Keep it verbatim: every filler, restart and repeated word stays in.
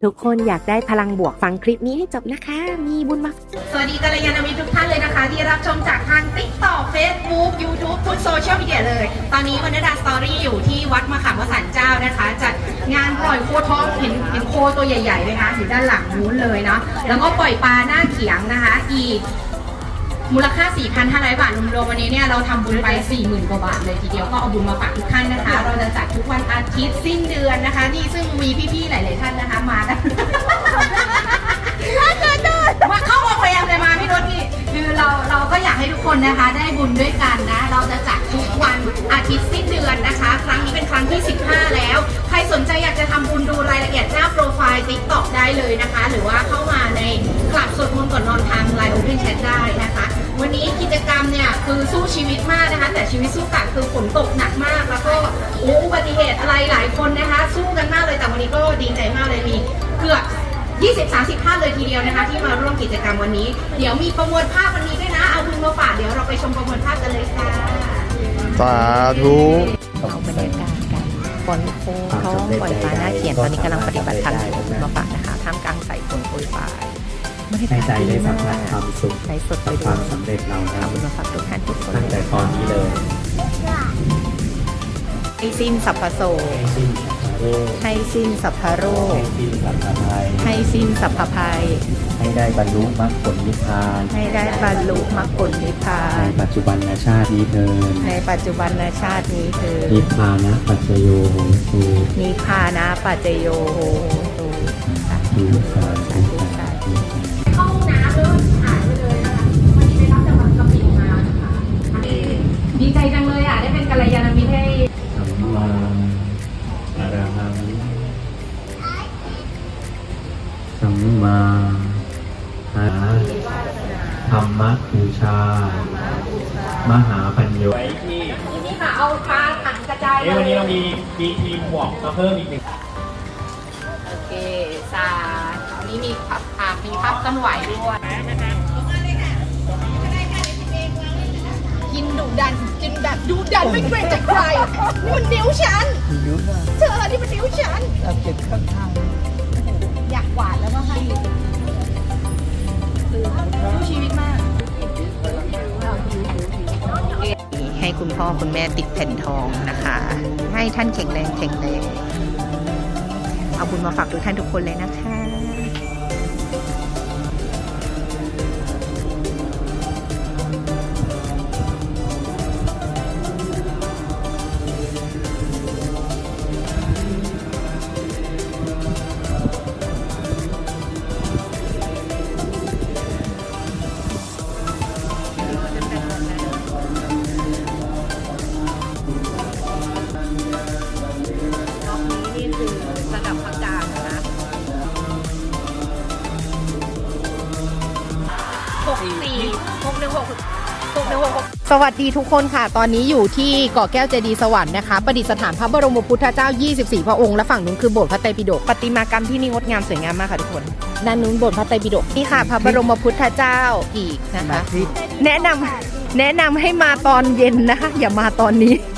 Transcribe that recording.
ทุกคนอยากได้พลังบวกฟังคลิปนี้ให้จบนะคะ มีบุญมาสวัสดีกัลยาณมิตรทุกท่านเลยนะคะที่รับชมจากทาง ติ๊กต็อก เฟซบุ๊ก ยูทูบ ทุกโซเชียลมีเดียเลยตอนนี้วรรณดาสตอรี่อยู่ที่วัดมะขามวสันต์เจ้านะคะจัดงานปล่อยโคท้องเห็นเห็นโคตัวใหญ่ๆเลยนะอยู่ด้านหลังนู้นเลยเนาะแล้วก็ปล่อยปลาหน้าเขียงนะคะอีกมูลค่า สี่พันห้าร้อย บาทรวมๆวันนี้เนี่ยเราทำบุญไป สี่หมื่น กว่าบาทเลยทีเดียวก็เอาบุญมาฝากทุกท่านนะคะเราจะจัดทุกวันอาทิตย์สิ้นเดือนนะคะนี่ซึ่งมีพี่ๆหลายๆท่านนะคะมากันมาเข้าโรงแรมเลยมาพี่รถนี่คือเราเราก็อยากให้ทุกคนนะคะได้บุญด้วยกันนะเราจะจัดทุกวันอาทิตย์สิ้นเดือนนะคะ ครั้งนี้เป็นครั้งที่สิบห้าแล้วใครสนใจอยากจะทำบุญดูรายละเอียดหน้าโปรไฟล์ ติ๊กต็อก ได้เลยนะคะ หรือว่าเข้ามาในคลับสวดมนต์ก่อนนอนทาง ไลน์ Open Chat ได้นะคะวันนี้กิจกรรมเนี่ยคือสู้ชีวิตมากนะคะแต่ชีวิตสู้กลับคือฝนตกหนักมากแล้วก็อุบัติเหตุอะไรหลายคนนะคะสู้กันมากเลยแต่วันนี้ก็ดีใจมากเลยมีเกือบยี่สิบ สามสิบ ท่านเลยทีเดียวนะคะที่มาร่วมกิจกรรมวันนี้เดี๋ยวมีประมวลภาพวันนี้ด้วยนะเอาบุญมาฝากเดี๋ยวเราไปชมประมวลภาพกันเลยค่ะสาธุเอาบรรยากาศกันปล่อยโคท้องปล่อยปลาหน้าเขียนตอนนี้กำลังปฏิบัติธรรมเอาบุญมาฝากนะคะท่ามกลางสายฝนโปรยปลายให้ใจได้สัมผัสความสุขใช้สดไปกับด้ควาว มยสำเร็จเรานะเอาบุญมาฝากทุกท่านทุกคนตั้งแต่ตอนนี้เลยให้สิ้นสัพพโสให้สิ้นสัพพะโรคให้สิ้นสัพพโรคให้สิ้นสัพพะภัยให้สิ้นสัพพภัยให้ได้บรรลุมรรคผลนิพพานให้ได้บรรลุมรรคผลนิพพาในนปัจจุบันชาตินี้เถิดในปัจจุบันชาตินี้เธอนิพพานะปัจจโยโหตุนิพพานะปัจจโยโหตุสาธุตุสาสาธุธุสาธุเข้าห้องน้ำเลยหายไปเลยนะคะวันนี้ไปรับจากวัดกะปิมานะคะดีใจจังเลยอ่ะได้เป็นกัลยาณมิตรให้สัมมาอรหังสัมมาอาธรรมบูชามหาปัญโยไว้ที่นี่ค่ะเอาปลาถังกระจายเอ้ยวันนี้เรามีมีทีมหมวกมาเพิ่มอีกหนึ่งโอเคสาอันนี้มีพับอ่ามีพับต้นไหวด้วยกินดุดันกินแบบดุดันไม่เกรงใจใครนี่มันนิ้วฉันเธอนี่มันนิ้วฉันอยากกวาดแล้วก็ให้สู้ชีวิตมากให้คุณพ่อคุณแม่ติดแผ่นทองนะคะ ให้ท่านแข็งแรงแข็งแรงเอาบุญมาฝากทุกท่านทุกคนเลยนะคะระดับพักกลางนะหกสี่หกหนึ่งหกหกหนึ่งหกสวัสดีทุกคนค่ะ ตอนนี้อยู่ที่เกาะแก้วเจดีย์สวรรค์นะคะ ประดิษฐานพระบรมพุทธเจ้า ยี่สิบสี่ พระองค์ และฝั่งนู้นคือโบสถ์พระไตรปิฎก ประติมากรรมที่นี่งดงามสวยงามมากค่ะทุกคน ด้านนู้นโบสถ์พระไตรปิฎก นี่ค่ะพระบรมพุทธเจ้าอีกนะคะ แนะนำแนะนำให้มาตอนเย็นนะคะ อย่ามาตอนนี้